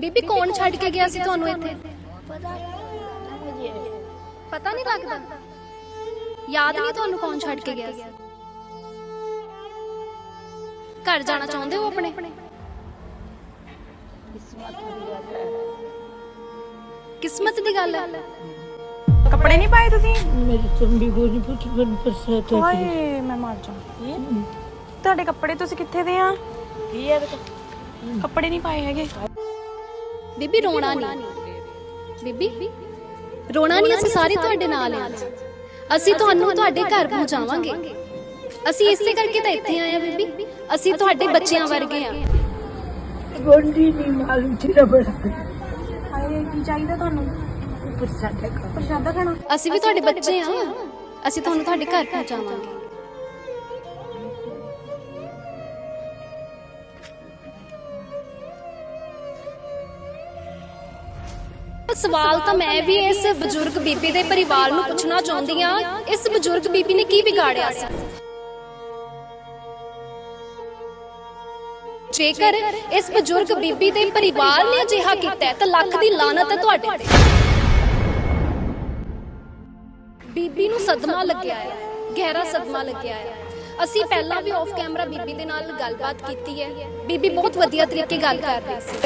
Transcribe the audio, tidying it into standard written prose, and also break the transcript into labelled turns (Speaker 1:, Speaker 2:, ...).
Speaker 1: ਬੀਬੀ ਕੌਣ ਛੱਡ ਕੇ ਗਿਆ ਸੀ ਤੁਹਾਨੂੰ ਇੱਥੇ? ਪਤਾ ਨਹੀਂ ਲੱਗਦਾ? ਯਾਦ ਨਹੀਂ ਤੁਹਾਨੂੰ ਕੌਣ ਛੱਡ ਕੇ ਗਿਆ ਸੀ? ਘਰ ਜਾਣਾ ਚਾਹੁੰਦੇ ਹੋ ਆਪਣੇ? किस्मत दी गल है।
Speaker 2: कपड़े नहीं पाए तुसी?
Speaker 3: मेरी चंबी गोली पुट बन बरसात है।
Speaker 2: हाय मैं मर जाऊं। ਤੁਹਾਡੇ ਕੱਪੜੇ ਤੁਸੀਂ ਕਿੱਥੇ ਦੇ ਆ?
Speaker 3: ਕੀ ਹੈ
Speaker 2: ਕੱਪੜੇ ਨਹੀਂ ਪਾਏ ਹੈਗੇ।
Speaker 1: ਬੀਬੀ ਰੋਣਾ ਨਹੀਂ, ਬੀਬੀ ਰੋਣਾ ਨਹੀਂ, ਅਸੀਂ ਸਾਰੇ ਤੁਹਾਡੇ ਨਾਲ ਆ। ਅਸੀਂ ਤੁਹਾਨੂੰ ਤੁਹਾਡੇ ਘਰ ਪਹੁੰਚਾਵਾਂਗੇ। ਅਸੀਂ ਇਸੇ ਕਰਕੇ ਤਾਂ ਇੱਥੇ ਆਏ ਆ ਬੀਬੀ, ਅਸੀਂ ਤੁਹਾਡੇ ਬੱਚਿਆਂ ਵਰਗੇ ਆ।
Speaker 3: ਗੋਲੀ ਨਹੀਂ ਮਾਲੂਮ ਤੇਰਾ ਬੜਾ
Speaker 2: ਹਾਏ ਕੀ ਚਾਹੀਦਾ ਤੁਹਾਨੂੰ? ਪ੍ਰਸ਼ਾਦਾ ਖਾਣਾ।
Speaker 1: ਅਸੀਂ ਵੀ ਤੁਹਾਡੇ ਬੱਚੇ ਆ, ਅਸੀਂ ਤੁਹਾਨੂੰ ਤੁਹਾਡੇ ਘਰ ਪਹੁੰਚਾਵਾਂਗੇ। ਸਵਾਲ ਤਾਂ ਮੈਂ ਵੀ ਇਸ ਬਜ਼ੁਰਗ ਬੀਬੀ ਦੇ ਪਰਿਵਾਰ ਨੂੰ ਪੁੱਛਣਾ ਚਾਹੁੰਦੀ ਆ, ਇਸ ਬਜ਼ੁਰਗ ਬੀਬੀ ਨੇ ਕੀ ਵਿਗਾੜਿਆ ਸੀ? ਜੇਕਰ ਇਸ ਬਜ਼ੁਰਗ ਬੀਬੀ ਦੇ ਪਰਿਵਾਰ ਨੇ ਅਜਿਹਾ ਕੀਤਾ ਹੈ ਤਾਂ ਲੱਖ ਦੀ ਲਾਨਤ ਹੈ ਤੁਹਾਡੇ ਤੇ। ਬੀਬੀ ਨੂੰ ਸਦਮਾ ਲੱਗਿਆ ਹੈ, ਗਹਿਰਾ ਸਦਮਾ ਲੱਗਿਆ ਹੈ। ਅਸੀਂ ਪਹਿਲਾਂ ਵੀ ਆਫ ਕੈਮਰਾ ਬੀਬੀ ਦੇ ਨਾਲ ਗੱਲਬਾਤ ਕੀਤੀ ਹੈ। ਬੀਬੀ ਬਹੁਤ ਵਧੀਆ ਤਰੀਕੇ ਗੱਲ ਕਰ ਰਹੀ ਸੀ।